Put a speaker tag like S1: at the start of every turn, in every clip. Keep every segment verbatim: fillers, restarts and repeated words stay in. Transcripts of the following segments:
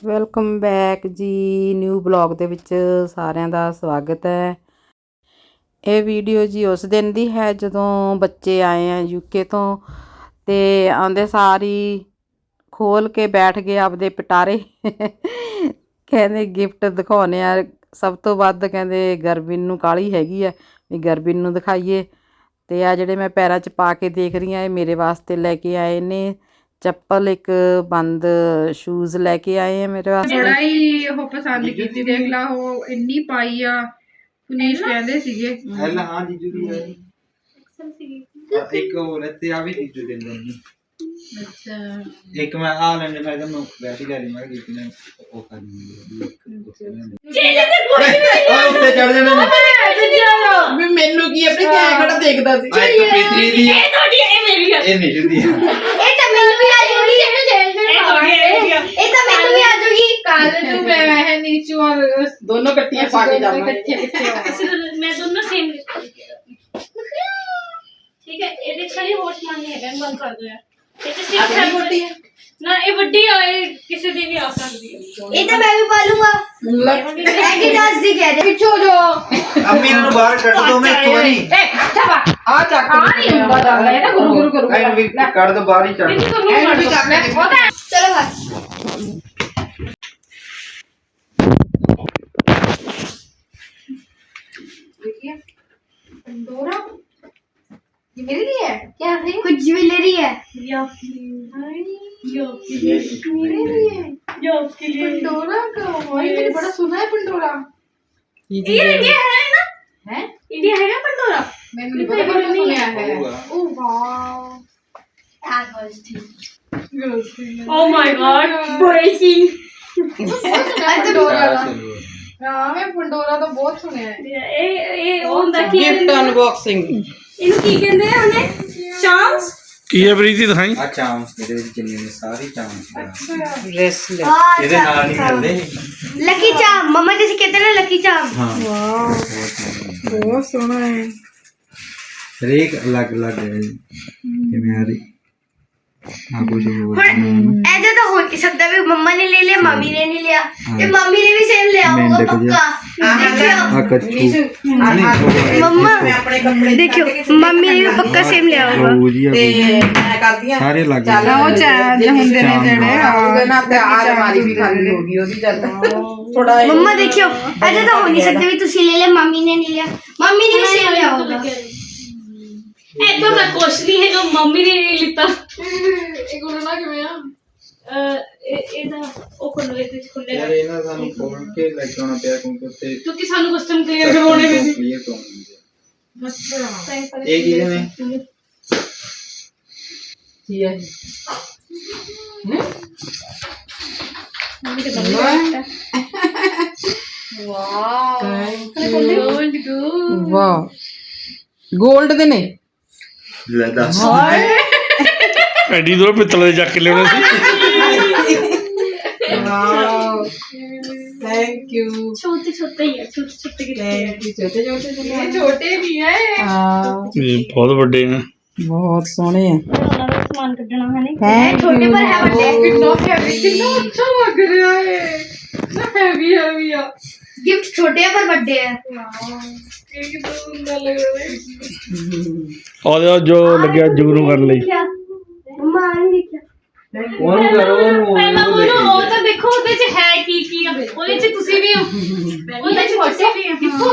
S1: Welcome back ਜੀ। New blog ਦੇ ਵਿੱਚ ਸਾਰਿਆਂ ਦਾ ਸਵਾਗਤ ਹੈ। ਇਹ ਵੀਡੀਓ ਜੀ ਉਸ ਦਿਨ ਦੀ ਹੈ ਜਦੋਂ ਬੱਚੇ ਆਏ ਆ ਯੂਕੇ ਤੋਂ, ਤੇ ਆਉਂਦੇ ਸਾਰੀ ਖੋਲ ਕੇ ਬੈਠ ਗਏ ਆਪਦੇ ਪਿਟਾਰੇ। ਕਹਿੰਦੇ ਗਿਫਟ ਦਿਖਾਉਣੇ ਆ। ਸਭ ਤੋਂ ਵੱਧ ਕਹਿੰਦੇ ਗਰਬਿਨ ਨੂੰ ਕਾਹਲੀ ਹੈਗੀ ਆ ਵੀ ਗਰਬਿਨ ਨੂੰ ਦਿਖਾਈਏ। ਤੇ ਆ ਜਿਹੜੇ ਮੈਂ ਪੈਰਾਂ 'ਚ ਪਾ ਕੇ ਦੇਖ ਰਹੀ ਹਾਂ ਇਹ ਮੇਰੇ ਵਾਸਤੇ ਲੈ ਕੇ ਆਏ ਨੇ। ਚੱਪਲ ਇੱਕ ਬੰਦ ਸ਼ੂਜ਼ ਲੈ ਕੇ ਆਏ ਆ ਮੇਰੇ ਵਾਸਤੇ।
S2: ਬੜਾ ਹੀ ਉਹ ਪਸੰਦ ਕੀਤੀ, ਦੇਖ ਲਾ ਉਹ ਇੰਨੀ ਪਾਈ ਆ। ਪੁਨੀਸ਼ ਕਹਿੰਦੇ ਸੀਗੇ
S3: ਹੈਲਾ ਹਾਂ ਜੀਜੂ ਦੀ ਹੈ ਇੱਕ ਹੋਰ ਤੇ ਆ ਵੀ ਜੀਜੂ ਦੇ ਦਿੰਦੇ।
S2: ਅੱਛਾ
S3: ਇੱਕ ਮੈਂ ਆ ਲੈਣੇ ਮੈਂ ਤੁਹਾਨੂੰ ਵੈਸੇ ਲੈ ਲਈ ਮੈਂ ਕਿ ਨੇ ਉਹ ਕਰਨੀ ਹੈ ਉੱਤੇ ਚੜ ਜਾਣਾ
S2: ਵੀ ਮੈਨੂੰ ਕੀ ਆਪਣੇ ਕਿਆ ਖੜਾ ਦੇਖਦਾ ਸੀ।
S3: ਇੱਕ ਪੀਤਰੀ ਦੀ
S4: ਇਹ ਤੁਹਾਡੀ ਇਹ ਮੇਰੀ ਆ।
S3: ਇਹ ਨਿਸ਼ੂ ਦੀ ਹੈ।
S4: ਇਹ ਤਾਂ ਮੈਨੂੰ ਵੀ ਆ ਜੂਗੀ। ਇਹ ਤੁਹਾਡੀ ਇਹ ਤਾਂ ਮੈਨੂੰ ਵੀ ਆ ਜੂਗੀ।
S2: ਕੱਲ ਨੂੰ ਮੈਂ ਵੈਸੇ ਨੀਚੂ ਔਰ ਦੋਨੋਂ ਇਕੱਠੀਆਂ ਪਾ ਕੇ ਜਾਵਾਂਗੇ।
S4: ਮੈਂ ਦੋਨੋਂ ਸੇਮ ਠੀਕ ਹੈ। ਇਹਦੇ ਛਾਲੀ ਹੋਸ਼ ਮੰਨ ਹੈਗਾ ਬੰਦ ਕਰ ਦੋ ਯਾਰ। ਇਹ ਤੇ ਸਿਰਫ ਹੈ ਵੱਡੀ ਨਾ, ਇਹ ਵੱਡੀ ਆ, ਇਹ ਕਿਸੇ ਦੀ ਵੀ ਆ ਸਕਦੀ ਹੈ। ਇਹ ਤਾਂ ਮੈਂ ਵੀ ਪਾ ਲੂੰਗਾ। ਐਡੀਡਾਸ ਦੀ ਕਹਿ ਦੇ ਪਿੱਛੋਂ ਜੋ
S3: ਅੰਮੀ ਨੂੰ ਬਾਹਰ ਕੱਢ ਦੋ ਮੈਂ ਇੱਕ ਵਾਰੀ।
S2: ਏ ਛਾਵਾ ਆ ਚੱਕ ਆ ਨਹੀਂ ਹੁੰਦਾ ਜਾਂਦਾ। ਇਹ ਤਾਂ ਗੁਰੂ ਗੁਰੂ ਕਰੂ
S3: ਐਨ ਵੀ ਕੱਢ ਦੋ ਬਾਹਰ ਹੀ ਚੱਲ।
S2: ਐਨ ਵੀ ਕਰ ਲੈ ਉਹਦਾ।
S4: ਚਲੋ ਬਸ
S2: देखिए पंडोरा ये मेरे लिए है।
S4: क्या है? कुछ ज्वेलरी है।
S2: मेरे लिए पंडोरा का वही मैंने बड़ा सुना है पंडोरा।
S4: ये इंडिया है ना?
S2: है
S4: इंडिया है ना पंडोरा?
S2: मैंने नहीं पता पर सुना है। Oh wow
S4: Oh my god, breaking.
S2: Pandora हाँ मैं पंडोरा तो बहुत सुने हैं।
S4: ਇਹ ਇਹ ਉਹ ਹੁੰਦਾ ਕੀ
S2: गिफ्ट अनबॉक्सिंग
S4: ਇਹਨੂੰ ਕੀ ਕਹਿੰਦੇ ਆ ਉਹਨੇ? ਚਾਂਸ
S5: ਕੀ ਹੈ ਪ੍ਰੀਤੀ ਦਿਖਾਈ।
S3: ਆ ਚਾਂਸ ਇਹਦੇ ਵਿੱਚ ਜਿੰਨੇ ਨੇ ਸਾਰੀ ਚਾਂਸ
S2: ब्रेसलेट
S3: ਇਹਦੇ ਨਾਲ ਨਹੀਂ ਮਿਲਦੇ।
S4: लकी चाम मम्मा जैसे कहते हैं ना लकी चाम।
S3: ਹਾਂ
S2: बहुत सोना है।
S3: ਹਰੇਕ ਅਲੱਗ ਅਲੱਗ ਹੈ ਕਿਵੇਂ ਆ ਰਹੀ ਆ ਕੁਝ ਹੋਰ
S4: ऐसा तो हो नहीं सकता भी मम्मा ने ले लिया मम्मी ने नहीं लिया। ये मम्मी ने भी सेम लिया होगा
S3: मेंढक
S4: पक्का।
S3: ਆ ਕੱਚੂ
S4: मम्मा
S2: अपने कपड़े
S4: देखियो मम्मी ने भी पक्का सेम लिया होगा।
S3: ਉਹ ਜੀ
S2: मैं करती हूं
S3: ਸਾਰੇ ਅਲੱਗ
S2: ਚੱਲ ਉਹ ਚਾਹ ਹੁੰਦੇ ਨੇ ਜਿਹੜੇ ਆਉਗੇ ਨਾ ਤੇ ਆ ਅਲਮਾਰੀ ਵੀ ਖਾਲੀ ਹੋ ਗਈ ਉਹਦੀ ਚੱਲ ਥੋੜਾ
S4: मम्मा देखियो ऐसा तो हो नहीं सकता भी तुसी ले ले मम्मी ने नहीं लिया। मम्मी ने भी सेम लिया होगा। ऐसा तो कुछ नहीं है जो मम्मी ने नहीं लिया।
S2: ਇਹ ਕੋਲ ਨਾ ਕਿਵੇਂ ਆ
S4: ਇਹਦਾ ਉਹ ਖੁੱਲੇ ਤੇ ਖੁੱਲੇ
S3: ਯਾਰ ਇਹਨਾਂ ਸਾਨੂੰ ਖੋਲ ਕੇ ਲੈ ਕੇ ਆਉਣਾ ਪਿਆ ਕਿਉਂਕਿ ਉੱਤੇ
S4: ਕਿਉਂਕਿ ਸਾਨੂੰ ਕਸਟਮ ਕਲੀਅਰ ਕਰਵਾਉਣੇ ਵੀ ਸੀ।
S3: ਕਲੀਅਰ ਤੋਂ
S2: ਅੱਛਾ
S3: ਇਹ ਕੀ ਨੇ
S2: ਕੀ ਹੈ
S4: ਮੰਮੀ ਤੇ ਬੰਦ ਵਾਓ ਗੋਲਡ ਗੋ
S2: ਵਾਹ ਗੋਲਡ ਦੇ ਨੇ
S3: ਲੈ ਦੱਸ
S5: ਐਡੀ ਦੂਰ ਪਿੱਤਲ ਦੇ ਚੱਕ ਕੇ ਲਿਆਉਣੇ ਸੀ।
S2: ਵਾਓ ਥੈਂਕ ਯੂ
S4: छोटे छोटे ही है छोटे छोटे के
S2: ਥੈਂਕ ਯੂ ਛੋਟੇ ਛੋਟੇ ਇਹ ਛੋਟੇ ਵੀ ਹੈ ਹਾਂ
S5: ਇਹ ਬਹੁਤ ਵੱਡੇ ਆ।
S2: ਬਹੁਤ ਸੋਹਣੇ ਆ
S4: ਉਹਨਾਂ ਦਾ ਸਮਾਨ ਕੱਢਣਾ ਹੈ ਨਹੀਂ ਛੋਟੇ ਪਰ ਹੈ ਵੱਡੇ
S2: ਕਿੰਨਾ ਹੈਵੀ ਕਿੰਨਾ ਅੱਛਾ ਲੱਗ ਰਿਹਾ ਹੈ ਨਾ ਹੈਵੀ ਹੈਵੀ ਆ
S4: गिफ्ट छोटे पर बड़े हैं।
S2: ਇਹ ਕਿੰਨਾ ਸੁੰਦਰ ਲੱਗ ਰਿਹਾ ਹੈ
S5: ਉਹਦੇ ਜੋ ਲੱਗਿਆ ਜਗਰੂ ਕਰਨ ਲਈ।
S4: मम्मा आ नहीं देखा
S3: ਉਹਨੂੰ ਕਰੋ ਉਹਨੂੰ
S4: ਪਹਿਲਾਂ ਉਹਨੂੰ ਉਹ ਤਾਂ ਦੇਖੋ ਉਹਦੇ ਚ ਹੈ ਕੀ ਕੀ ਆ ਉਹਦੇ ਚ ਤੁਸੀਂ ਵੀ ਹੋ ਉਹਦੇ ਚ ਤੁਸੀਂ ਵੀ ਹੋ।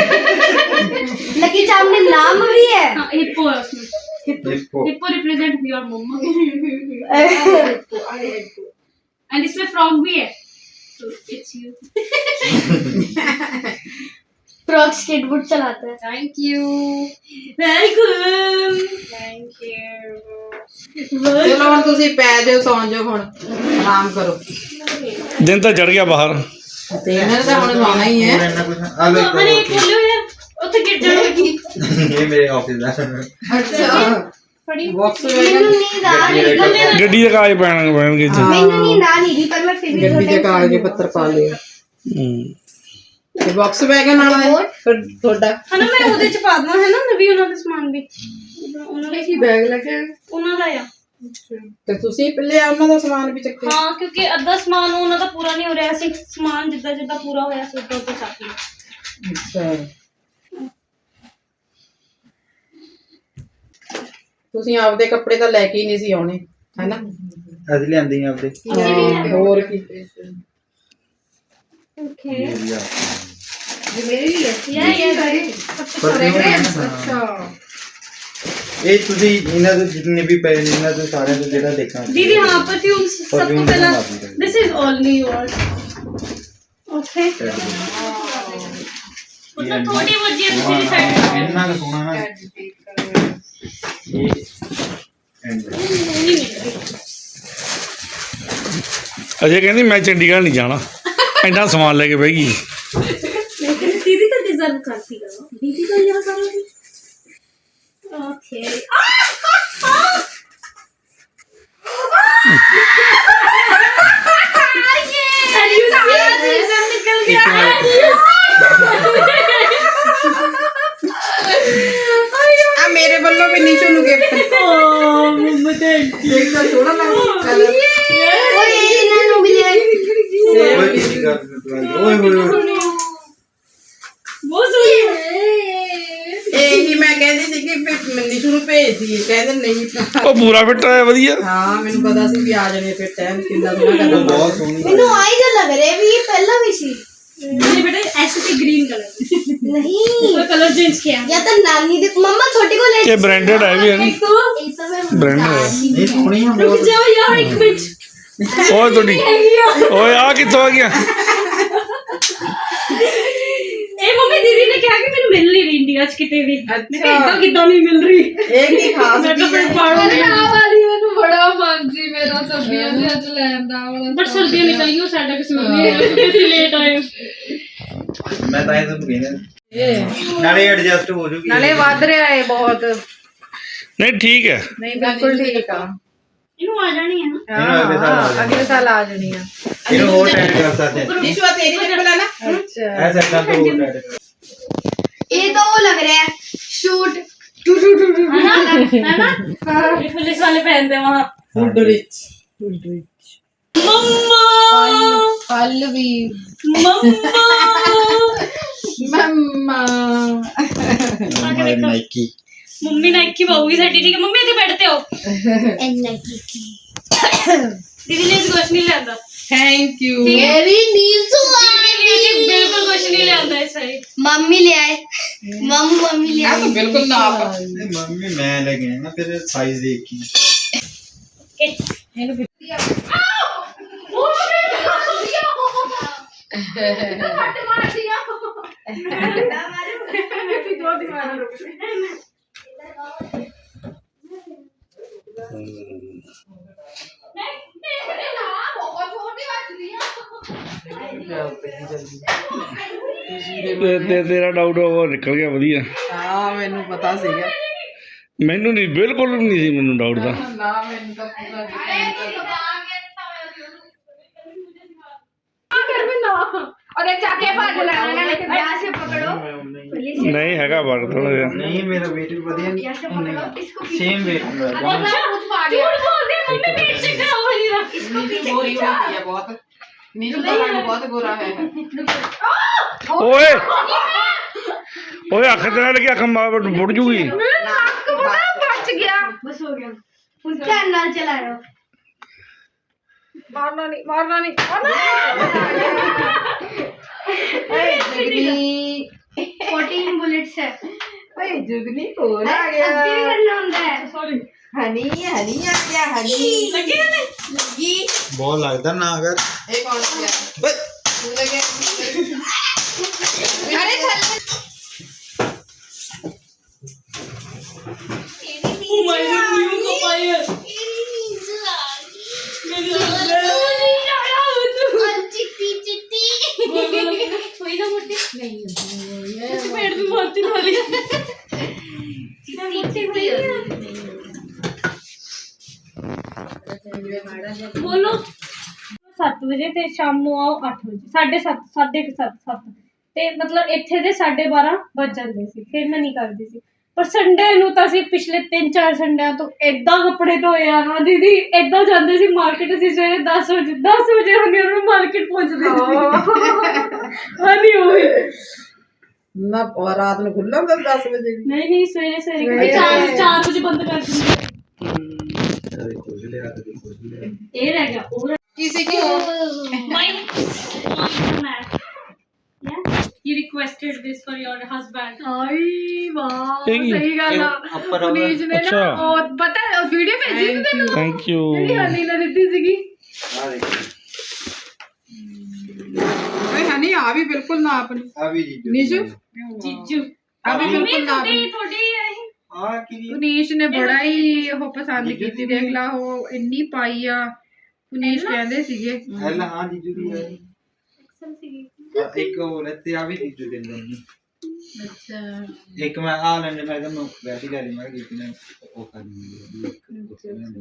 S4: लकी चाम में नाम भी है। हाँ हिप्पो है उसमें। Hippo
S3: hippo.
S4: Hippo represent your mama and इसमें फ्रॉग भी है so it's you। Frog skateboard चलाता है।
S2: Thank you
S4: welcome thank you.
S2: ਚਲੋ ਹੁਣ ਤੁਸੀਂ ਪੈ ਜਾਓ ਸੌਂ ਜਾਓ ਹੁਣ ਆਰਾਮ ਕਰੋ
S5: ਦਿਨ ਤਾਂ ਚੜ ਗਿਆ ਬਾਹਰ।
S2: ਤੇ ਇਹਨਾਂ ਦਾ ਹੁਣ ਸੌਣਾ ਹੀ ਹੈ
S3: ਇਹਨਾਂ ਕੁਝ ਆ ਲੋ
S4: ਮਮਾ ਨੇ ਖੋਲਿਓ ਯਾਰ ਉੱਥੇ ਗਿਰ ਜਾਣਗੇ।
S3: ਇਹ ਮੇਰੇ ਆਫਿਸ ਦਾ
S2: ਅੱਛਾ
S4: ਫੜੀ
S2: ਬਾਕਸ
S4: ਮੈਨੂੰ ਨੀਂਦ ਆ ਰਹੀ ਹੈ।
S5: ਗੱਡੀ ਦੇ ਕਾਗਜ਼ ਪੈਣ ਪੈਣਗੇ ਇੱਥੇ।
S4: ਮੈਨੂੰ ਨੀਂਦ ਆ ਨਹੀਂ ਰਹੀ ਪਰ ਮੈਂ ਫਿਰ ਵੀ
S2: ਗੱਡੀ ਦੇ ਕਾਗਜ਼ ਪੱਤਰ ਪਾ ਲਏ
S5: ਹੂੰ
S2: ਤੇ ਬਾਕਸ ਬੈਗ ਨਾਲ ਫਿਰ ਤੁਹਾਡਾ
S4: ਹਨਾ ਮੈਂ ਉਹਦੇ ਚ ਪਾ ਦਵਾਂ ਹੈ ਨਾ ਨਵੀਂ ਉਹਨਾਂ ਦਾ ਸਮਾਨ ਵੀ ਉਹਨਾਂ ਦਾ
S2: ਕੀ ਬੈਗ ਲੱਗੇ
S4: ਉਹਨਾਂ ਦਾ ਆ
S2: ਤੇ ਤੁਸੀਂ ਪਹਿਲੇ ਉਹਨਾਂ ਦਾ ਸਮਾਨ ਵੀ ਚੱਕਿਆ
S4: ਹਾਂ ਕਿਉਂਕਿ ਅੱਧਾ ਸਮਾਨ ਉਹਨਾਂ ਦਾ ਪੂਰਾ ਨਹੀਂ ਹੋ ਰਿਹਾ ਸੀ ਸਮਾਨ ਜਿੱਦਾਂ ਜਿੱਦਾਂ ਪੂਰਾ ਹੋਇਆ ਸੀ ਉਦੋਂ ਤੋਂ ਚੱਕ ਲਿਆ।
S1: ਅੱਛਾ ਤੁਸੀਂ ਆਪਦੇ ਕੱਪੜੇ ਤਾਂ ਲੈ ਕੇ ਹੀ ਨਹੀਂ ਸੀ ਆਉਣੇ ਹੈਨਾ।
S3: ਅਸੀਂ ਲਿਆਂਦੇ ਹਾਂ ਆਪਦੇ
S1: ਹੋਰ ਕੀ
S4: ਓਕੇ
S3: ਏਰੀਆ
S2: ਮੇਰੀ ਵੀ ਹੈ
S4: ਯਾ ਯਾ
S2: ਅੱਛਾ
S3: ਇਹ ਤੁਸੀਂ ਇਹਨਾਂ ਦੇ ਜਿੰਨੇ ਵੀ ਪਏ ਨੇ ਇਹਨਾਂ ਦੇ ਸਾਰਿਆਂ ਤੋਂ ਜਿਹੜਾ ਦੇਖਣਾ
S4: दीदी हाँ परफ्यूम सब तो
S3: Perfume
S4: पहला
S3: बना दी
S4: this is only yours okay मतलब थोड़ी बहुत जी दूसरी साइड
S3: ਇੰਨਾ ਕੁ ਸੋਹਣਾ ਨਾ ਇਹ ਐਂਡ
S5: ਅਜੇ ਕਹਿੰਦੀ ਮੈਂ ਚੰਡੀਗੜ੍ਹ ਨਹੀਂ ਜਾਣਾ ਇੰਨਾ ਸਮਾਨ ਲੈ ਕੇ ਬਹਿ ਗਈ।
S4: लेकिन दीदी तो डिजर्व करती है दीदी तो यहाँ करोगी ओके निकल गया
S1: ਆ ਮੇਰੇ ਵੱਲੋਂ ਵੀ ਨੀਚੂ ਨੂੰ ਗਿਫਟ ਦੇਖਦਾ ਥੋੜਾ ਲੱਗਦਾ ਕਲਰ
S2: और ये इन्होंने भी लिया
S3: ਓਏ ਕੀ ਕਰ ਓਏ ਹੋਏ ਹੋਏ
S4: वो सुनिए
S1: ਇਹੀ ਮੈਂ ਕਹਿੰਦੀ ਸੀ ਕਿ ਨੀਚੂ ਨੂੰ ਭੇਜ ਦਈਏ ਕਹਿੰਦੇ ਨਹੀਂ
S5: ਉਹ ਪੂਰਾ ਫਿੱਟ ਆਇਆ ਵਧੀਆ।
S1: ਹਾਂ ਮੈਨੂੰ ਪਤਾ ਸੀ ਵੀ ਆ ਜਾਣੇ ਫਿਰ ਟਾਈਮ ਕਿੰਨਾ ਸੋਹਣਾ
S3: ਉਹ
S1: ਕਰਦਾ
S3: ਬਹੁਤ ਸੋਹਣੀ
S2: मैंने आई जो लग रहे भी ये पहला भी सी
S4: मेरे बेटे ऐसे भी ग्रीन कलर
S2: नहीं
S4: वो कलर चेंज किया
S2: या तो नानी दे मम्मा छोटी को ले
S5: ਇਹ ਬ੍ਰਾਂਡਡ ਹੈ ਵੀ ਹੈ ਨੀ
S4: एक तो
S2: ये सब है
S5: ब्रांड है।
S3: ਇਹ ਸੋਹਣੀ ਆ
S4: रुक
S3: ਬਹੁਤ
S4: जाओ यार एक मिनट
S5: ਓਏ ਤੁਹਾਡੀ ਓਏ ਆ ਕਿੱਥੋਂ ਆ ਗਿਆ।
S4: ए मम्मी दीदी ने कहा कि मैंने मिल नहीं रही इंडिया च किते भी मैं कहा इतना कितना नहीं मिल रही
S1: ਇਹ ਕੀ ਖਾਸ
S4: मैं तो
S1: ਚੀਜ਼
S4: फिर
S1: ਹੈ
S4: पाड़ूंगी
S6: ਵਾਲੀ ਮੈਨੂੰ ਬੜਾ ਮਨ ਸੀ ਮੇਰਾ ਸਬਜ਼ੀਆਂ ਦੇ ਅੱਜ ਲੈਣ ਦਾ ਵਾਲਾ
S4: बट सर्दियां निकल गई साडा किस्मत नहीं कैसे लेट आए
S3: ਮੈਂ ਤਾਂ ਇਹ ਤਾਂ ਕਹਿੰਦਾ ਨਾਲੇ ਐਡਜਸਟ ਹੋ ਜੂਗੀ
S1: ਨਾਲੇ ਵੱਧ ਰਿਹਾ ਹੈ ਬਹੁਤ
S5: ਨਹੀਂ ਠੀਕ ਹੈ
S1: ਨਹੀਂ ਬਿਲਕੁਲ ਠੀਕ ਆ
S4: इनु आ जानी है ना
S3: ਇਹਨੂੰ ਅਗਲੇ ਸਾਲ ਆ ਜਾਣਾ।
S1: ਅਗਲੇ ਸਾਲ ਆ ਜਾਣੀ ਆ
S3: ਇਹਨੂੰ ਹੋਰ ਟਾਈਟ ਕਰ ਸਕਦੇ ਹਾਂ
S1: ਨੀਚੂ ਆ ਤੇਰੀ ਚੱਪਲ ਆ ਨਾ ਅੱਛਾ
S3: ਐਸਾ ਕਰ ਦੋ ਹੋਰ ਟਾਈਟ ਕਰ
S2: ये तो वो लग रहा है शूट
S4: है ना है ना ये पुलिस वाले पहनते हैं वहां
S1: ਫੁੱਡ ਰਿਚ
S4: मम्मा
S2: फल भी
S4: मम्मा
S1: ਮੰਮਾ
S3: ਨਾਈਕੀ
S4: मम्मी नाइकी पाऊंगी साडी ठीक है मम्मी इधर बैठते हो
S2: एन्ना की
S4: दीदी ने कुछ नहीं लेंदा
S1: ਥੈਂਕ ਯੂ
S2: मेरी नींसू आ
S4: दीदी बिल्कुल कुछ नहीं लेंदा इस साइड
S2: मम्मी ले आए मम्मी मम्मी ले
S1: ਆ
S2: आए
S1: ਤਾਂ ਬਿਲਕੁਲ ਨਾਪ
S3: ਨਹੀਂ ਮੰਮੀ ਮੈਂ ਲੈ ਕੇ ਆਇਆ ਨਾ ਫਿਰ ਸਾਈਜ਼ ਦੇਖ ਕੇ
S1: ਇਹਨੂੰ
S5: ਤੇ ਤੇ- ਤੇਰਾ ਡਾਊਟ ਉਹ ਨਿਕਲ ਗਿਆ ਵਧੀਆ।
S1: ਹਾਂ ਮੈਨੂੰ ਪਤਾ ਸੀਗਾ
S5: ਮੈਨੂੰ ਨਹੀਂ ਬਿਲਕੁਲ ਵੀ ਨਹੀਂ ਸੀ ਮੈਨੂੰ ਡਾਊਟ ਦਾ।
S1: ਨਾ ਮੈਨੂੰ ਤਾਂ ਪੂਰਾ
S2: और एक जाके भाग लगाना लेकिन यहाँ से पकड़ो
S5: ਨਹੀਂ ਹੈਗਾ ਵਰਕ ਥੋੜਾ ਜਿਹਾ।
S3: ਨਹੀਂ ਮੇਰਾ weight ਵੀ ਵਧੀਆ ਨਹੀਂ ਸੇਮ weight ਮੇਰਾ
S4: झूठ बोल रही है मम्मी पेट से खराब हो रही है
S1: ਨੀਚੂ ਗੋਰੀ ਹੋती है बहुत नीचू का रंग बहुत गोरा है
S5: ਓਏ ਓਏ ਅੱਖ ਤੇ ਨਾਲ ਕੀ ਅੱਖ ਮਾਰ ਮੁੜ ਜੂਗੀ।
S2: बच गया बस हो गया ध्यान नाल चलाओ
S1: मारना नहीं मारना नहीं जुगनी
S2: फोर्टीन बुलेट्स है
S1: ओए जुगनी कौन आ गया
S2: अभी भी करना होता है
S4: सॉरी
S1: हनी हनी आ गया हनी
S4: लगी ना
S1: लगी
S3: ਬਹੁਤ ਲੱਗਦਾ ना अगर
S1: एक और किया तू लगे अरे चल
S4: ओ माय गॉड न्यू को फायर मेरी
S2: चिट्टी चिट्टी
S4: कोई ना मोटी नहीं पेट में मारती वाली मोटी हुई बोलो ਸੱਤ ਵਜੇ ਤੇ ਸ਼ਾਮ ਨੂੰ ਆਓ ਅੱਠ ਵਜੇ ਸਾਢੇ ਸੱਤ ਸਾਢੇ ਕੁ ਸੱਤ ਸੱਤ ਤੇ ਮਤਲਬ ਇੱਥੇ ਦੇ ਸਾਢੇ ਬਾਰਾਂ ਵੱਜ ਜਾਂਦੇ ਸੀ ਫਿਰ ਮੈਂ ਨਹੀਂ ਕਰਦੀ ਸੀ ਪਰ ਸੰਡੇ ਨੂੰ ਤਾਂ ਅਸੀਂ ਪਿਛਲੇ ਤਿੰਨ ਚਾਰ ਸੰਡਿਆਂ ਤੋਂ ਏਦਾਂ ਕੱਪੜੇ ਧੋਏ ਆ ਨਾ ਦੀਦੀ, ਏਦਾਂ ਜਾਂਦੇ ਸੀ ਮਾਰਕੀਟ। ਅਸੀਂ ਸਵੇਰੇ ਦਸ ਵਜੇ ਦਸ ਵਜੇ ਹੁੰਦੇ ਉਹਨੂੰ ਮਾਰਕੀਟ ਪਹੁੰਚਦੇ ਸੀ। ਹਾਂਜੀ ਉਹੀ
S2: ਨਾ ਰਾਤ ਨੂੰ ਖੁੱਲ੍ਹਾ ਹੁੰਦਾ ਦਸ ਵਜੇ ਵੀ।
S4: ਨਹੀਂ ਨਹੀਂ ਸਵੇਰੇ ਸਵੇਰੇ ਚਾਰ ਚਾਰ ਵਜੇ ਬੰਦ ਕਰ ਦਿੰਦੇ। ਇਹ ਰਹਿ ਗਿਆ ਉਹ
S2: ਕਿਸੇ ਕੀ ਹੋ
S4: mine man yeah you requested this for your husband
S6: ਆਈ ਵਾਹ
S5: ਇਹ ਕੀ?
S6: ਸਹੀ ਗੱਲ ਆ
S3: ਉੱਪਰ
S6: ਨੀਜ ਨੇ ਨਾ
S5: ਅੱਛਾ।
S6: ਉਹ ਪਤਾ ਵੀਡੀਓ ਭੇਜੀ ਸੀ ਤੈਨੂੰ
S5: ਥੈਂਕ ਯੂ
S6: ਜਿਹੜੀ ਹਨੀ ਨੇ ਦਿੱਤੀ ਸੀਗੀ।
S3: ਆ ਦੇਖ
S2: ਓਏ ਹਨੀ ਆ ਵੀ ਬਿਲਕੁਲ ਨਾ ਆਪਣੀ
S3: ਆ ਵੀ ਜੀ
S2: ਨੀਸ਼ੂ
S4: ਜੀਜੂ
S2: ਆ ਵੀ
S4: ਮੰਮੀ
S2: ਬਿਲਕੁਲ ਨਾ
S4: ਤੁਹਾਡੀ ਤੁਹਾਡੀ ਇਹ
S3: ਆ ਕੀ
S2: ਪੁਨੀਸ਼ ਨੇ ਬੜਾ ਹੀ ਉਹ ਪਸੰਦ ਕੀਤੀ। ਦੇਖ ਲਾ ਉਹ ਇੰਨੀ ਪਾਈ ਆ। ਪੁਨੀਸ਼ ਕਹਿੰਦੇ ਸੀਗੇ
S3: ਐਲ ਹਾਂ ਜੀਜੂ ਦੀ ਹੈ
S4: ਐਕਸਲ ਸੀ
S3: ਆ, ਇੱਕ ਹੋਰ ਹੈ ਤੇ ਆ ਵੀ ਜੀਜੂ ਦੇ ਦਿੰਦੇ
S2: ਅੱਛਾ
S3: ਇੱਕ ਮੈਂ ਆ ਲੈਣੇ ਮੈਂ ਤੁਹਾਨੂੰ ਵੈਸੇ ਲੈ ਲਈ ਮੈਂ ਕਿ ਨੇ ਉਹ ਕਰਨੀ ਹੈ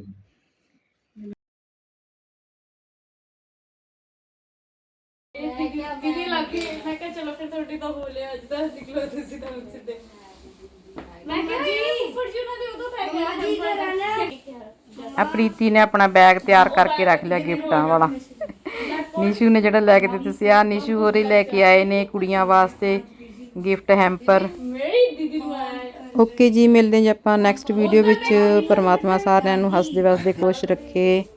S6: ਦੀਦੀ ਲੱਗੀ ਮੈਂ ਕਿਹਾ ਚਲੋ ਫਿਰ ਤੁਹਾਡੀ ਤਾਂ ਹੋ ਲਿਆ ਅੱਜ ਦਾ ਨਿਕਲੋ ਤੁਸੀਂ ਤਾਂ ਸਿੱਧੇ।
S4: ਮੈਂ ਕਿਹਾ ਜੀ ਫਰਜੂਨਾ ਦੇ ਉਦੋਂ ਪੈ ਗਿਆ ਜੀ ਕਰਾਣਾ
S1: ਆ ਪ੍ਰੀਤੀ ਨੇ ਆਪਣਾ ਬੈਗ ਤਿਆਰ ਕਰਕੇ ਰੱਖ ਲਿਆ ਗਿਫਟਾਂ ਵਾਲਾ। ਨਿਸ਼ੂ ਨੇ ਜਿਹੜਾ ਲੈ ਕੇ ਦਿੱਤੇ ਸੀ, ਆ ਨਿਸ਼ੂ ਹੋਰੀ ਲੈ ਕੇ ਆਏ ਨੇ ਕੁੜੀਆਂ ਵਾਸਤੇ ਗਿਫਟ ਹੈਂਪਰ।
S6: ਮੇਰੀ ਦੀਦੀ ਨੂੰ ਆਇਆ
S1: ਓਕੇ ਜੀ, ਮਿਲਦੇ ਜੀ ਆਪਾਂ ਨੈਕਸਟ ਵੀਡੀਓ ਵਿੱਚ। ਪਰਮਾਤਮਾ ਸਾਰਿਆਂ ਨੂੰ ਹੱਸਦੇ ਵਸਦੇ ਖੁਸ਼ ਰੱਖੇ।